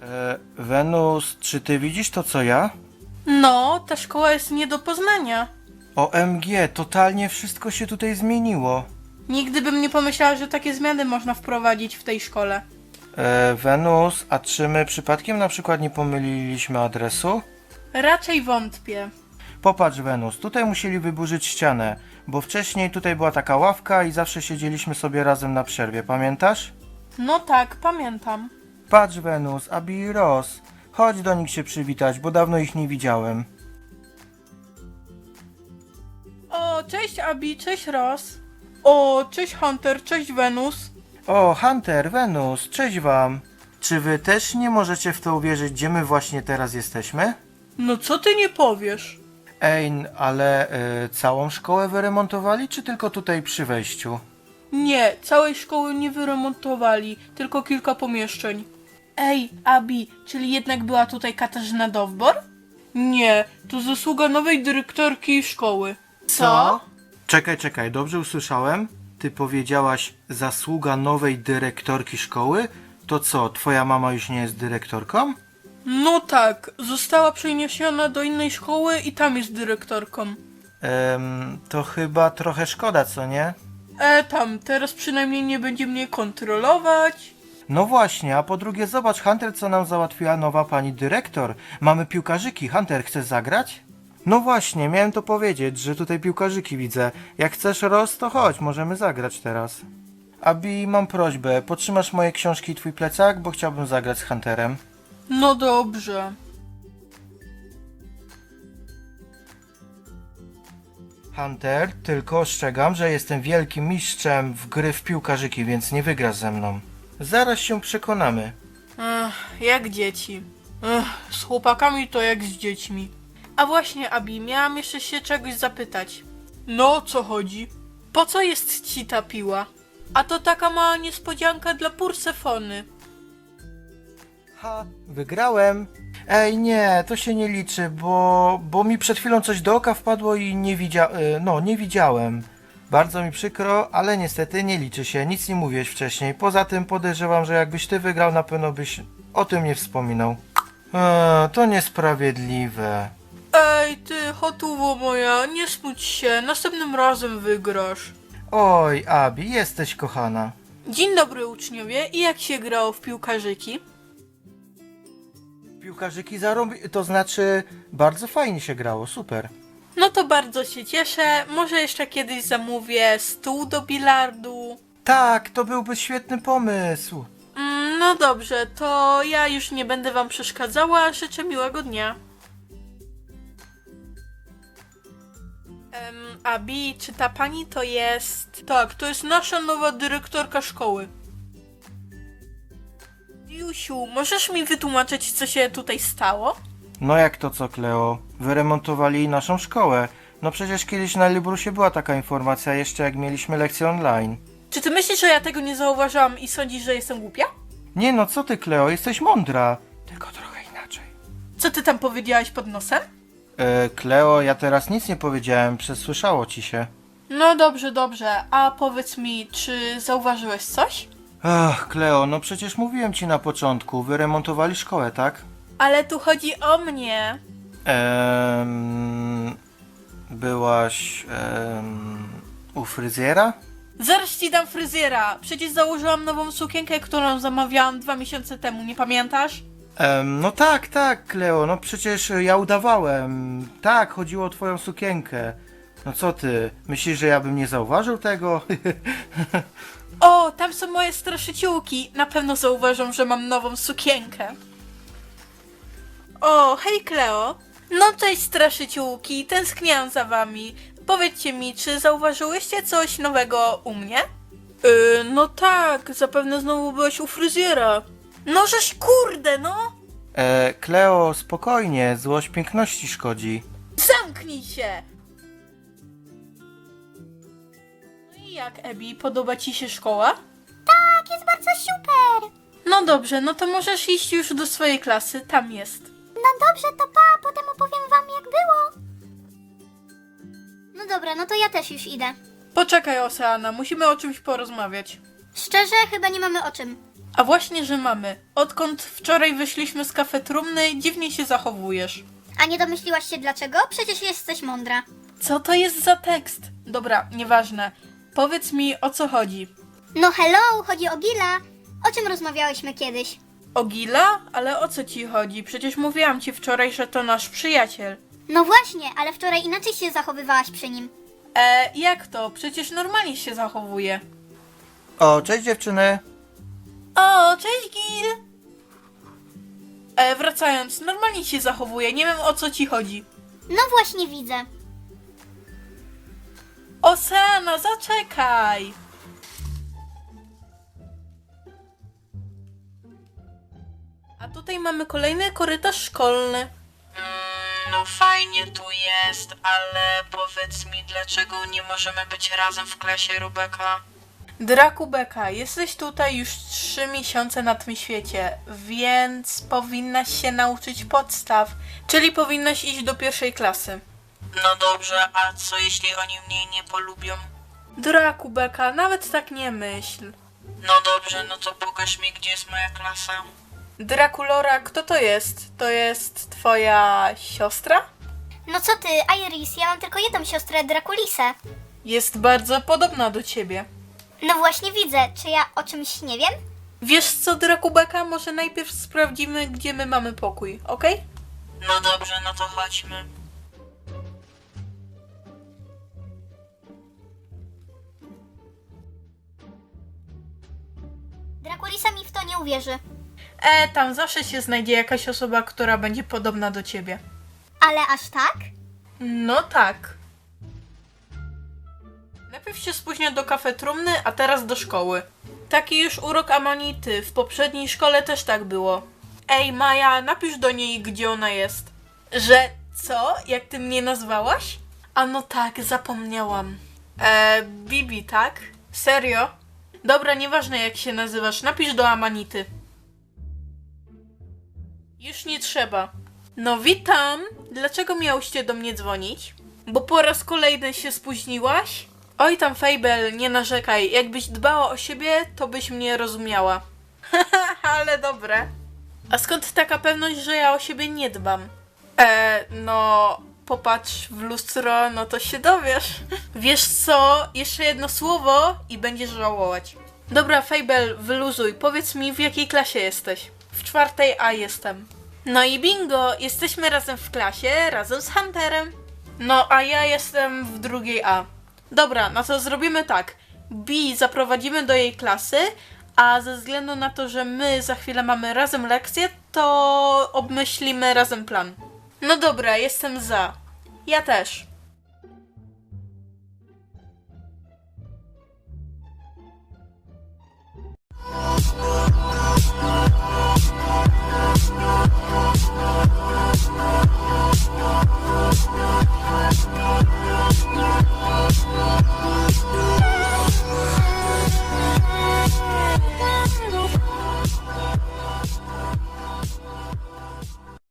Wenus, czy ty widzisz to co ja? No, ta szkoła jest nie do poznania. OMG, totalnie wszystko się tutaj zmieniło. Nigdy bym nie pomyślała, że takie zmiany można wprowadzić w tej szkole. Wenus, a czy my przypadkiem na przykład nie pomyliliśmy adresu? Raczej wątpię. Popatrz Wenus, tutaj musieli wyburzyć ścianę, bo wcześniej tutaj była taka ławka i zawsze siedzieliśmy sobie razem na przerwie, pamiętasz? No tak, pamiętam. Patrz Wenus, Abi i Ross, chodź do nich się przywitać, bo dawno ich nie widziałem. O, cześć Abi, cześć Ross. O, cześć Hunter, cześć Wenus. O, Hunter, Wenus, cześć wam. Czy wy też nie możecie w to uwierzyć, gdzie my właśnie teraz jesteśmy? No co ty nie powiesz? Ej, ale całą szkołę wyremontowali, czy tylko tutaj przy wejściu? Nie, całej szkoły nie wyremontowali, tylko kilka pomieszczeń. Ej, Abi, czyli jednak była tutaj Katarzyna Dowbor? Nie, to zasługa nowej dyrektorki szkoły. Czekaj, dobrze usłyszałem? Ty powiedziałaś zasługa nowej dyrektorki szkoły? To co, twoja mama już nie jest dyrektorką? No tak, została przeniesiona do innej szkoły i tam jest dyrektorką. To chyba trochę szkoda, co nie? Tam, teraz przynajmniej nie będzie mnie kontrolować. No właśnie, a po drugie zobacz Hunter, co nam załatwiła nowa pani dyrektor. Mamy piłkarzyki. Hunter, chcesz zagrać? No właśnie, miałem to powiedzieć, że tutaj piłkarzyki widzę. Jak chcesz Ross, to chodź, możemy zagrać teraz. Abi, mam prośbę, potrzymasz moje książki i twój plecak, bo chciałbym zagrać z Hunterem. No dobrze. Hunter, tylko ostrzegam, że jestem wielkim mistrzem w gry w piłkarzyki, więc nie wygrasz ze mną. Zaraz się przekonamy. Jak dzieci. Z chłopakami to jak z dziećmi. A właśnie, Abi, miałam jeszcze się czegoś zapytać. No, co chodzi? Po co jest ci ta piła? A to taka mała niespodzianka dla Pursefony. Ha, wygrałem. Ej, nie, to się nie liczy, bo mi przed chwilą coś do oka wpadło i nie widziałem. Bardzo mi przykro, ale niestety nie liczy się, nic nie mówiłeś wcześniej. Poza tym podejrzewam, że jakbyś ty wygrał, na pewno byś o tym nie wspominał. To niesprawiedliwe. Ej, ty, chotuwo moja, nie smuć się, następnym razem wygrasz. Oj, Abi, jesteś kochana. Dzień dobry uczniowie, i jak się grało w piłkarzyki? Piłkarzyki to znaczy bardzo fajnie się grało, super. No to bardzo się cieszę, może jeszcze kiedyś zamówię stół do bilardu. Tak, to byłby świetny pomysł. No dobrze, to ja już nie będę wam przeszkadzała, życzę miłego dnia. Abi, czy ta pani to jest... Tak, to jest nasza nowa dyrektorka szkoły. Jusiu, możesz mi wytłumaczyć, co się tutaj stało? No jak to co, Kleo? Wyremontowali naszą szkołę. No przecież kiedyś na Librusie była taka informacja, jeszcze jak mieliśmy lekcję online. Czy ty myślisz, że ja tego nie zauważyłam i sądzisz, że jestem głupia? Nie no, co ty, Kleo? Jesteś mądra. Tylko trochę inaczej. Co ty tam powiedziałaś pod nosem? Kleo, ja teraz nic nie powiedziałem, przesłyszało ci się. No dobrze, dobrze. A powiedz mi, czy zauważyłeś coś? Ach, Kleo, no przecież mówiłem ci na początku, wyremontowali szkołę, tak? Ale tu chodzi o mnie. Byłaś u fryzjera? Zaraz ci dam fryzjera. Przecież założyłam nową sukienkę, którą zamawiałam 2 miesiące temu, nie pamiętasz? No tak, Kleo, no przecież ja udawałem. Tak, chodziło o twoją sukienkę. No co ty, myślisz, że ja bym nie zauważył tego? O, tam są moje straszyciółki. Na pewno zauważą, że mam nową sukienkę. O, hej Kleo. No cześć straszyciółki, tęskniłam za wami. Powiedzcie mi, czy zauważyłyście coś nowego u mnie? No tak, zapewne znowu byłeś u fryzjera. No żeś kurde, no! Kleo, spokojnie, złość piękności szkodzi. Zamknij się! No i jak, Ebi, podoba ci się szkoła? Tak, jest bardzo super. No dobrze, no to możesz iść już do swojej klasy, tam jest. No dobrze, to pa, potem opowiem wam jak było. No dobra, no to ja też już idę. Poczekaj, Oceana, musimy o czymś porozmawiać. Szczerze, chyba nie mamy o czym. A właśnie, że mamy. Odkąd wczoraj wyszliśmy z kafetrumny, dziwnie się zachowujesz. A nie domyśliłaś się dlaczego? Przecież jesteś mądra. Co to jest za tekst? Dobra, nieważne. Powiedz mi, o co chodzi. No hello, chodzi o Gila. O czym rozmawiałyśmy kiedyś? O Gila? Ale o co ci chodzi? Przecież mówiłam ci wczoraj, że to nasz przyjaciel. No właśnie, ale wczoraj inaczej się zachowywałaś przy nim. Jak to? Przecież normalnie się zachowuje. O, cześć dziewczyny. O, cześć Gil! Wracając, normalnie się zachowuje, nie wiem o co ci chodzi. No właśnie widzę. Oceana, zaczekaj! A tutaj mamy kolejny korytarz szkolny. No fajnie tu jest, ale powiedz mi, dlaczego nie możemy być razem w klasie, Rubeka? Draku Beka, jesteś tutaj już 3 miesiące na tym świecie, więc powinnaś się nauczyć podstaw, czyli powinnaś iść do 1. klasy. No dobrze, a co jeśli oni mnie nie polubią? Draku Beka, nawet tak nie myśl. No dobrze, no to pokaż mi, gdzie jest moja klasa. Drakulora, kto to jest? To jest twoja siostra? No co ty, Iris, ja mam tylko jedną siostrę, Drakulisę. Jest bardzo podobna do ciebie. No właśnie widzę, czy ja o czymś nie wiem? Wiesz co, Drakubeka, może najpierw sprawdzimy, gdzie my mamy pokój, okej? No dobrze, no to chodźmy. Drakulisa mi w to nie uwierzy. Tam zawsze się znajdzie jakaś osoba, która będzie podobna do ciebie. Ale aż tak? No tak. Najpierw się spóźnia do kafetrumny, a teraz do szkoły. Taki już urok Amanity. W poprzedniej szkole też tak było. Ej, Maja, napisz do niej, gdzie ona jest. Że co? Jak ty mnie nazwałaś? A no tak, zapomniałam. Bibi, tak? Serio? Dobra, nieważne jak się nazywasz, napisz do Amanity. Już nie trzeba. No witam. Dlaczego miałyście do mnie dzwonić? Bo po raz kolejny się spóźniłaś? Oj tam Fable, nie narzekaj. Jakbyś dbała o siebie, to byś mnie rozumiała. Ale dobre. A skąd taka pewność, że ja o siebie nie dbam? No... Popatrz w lustro, no to się dowiesz. Wiesz co? Jeszcze jedno słowo i będziesz żałować. Dobra, Fable, wyluzuj. Powiedz mi, w jakiej klasie jesteś? W 4 A jestem. No i bingo, jesteśmy razem w klasie, razem z Hunterem. No, a ja jestem w 2 A. Dobra, no to zrobimy tak. B zaprowadzimy do jej klasy, a ze względu na to, że my za chwilę mamy razem lekcję, to obmyślimy razem plan. No dobra, jestem za. Ja też.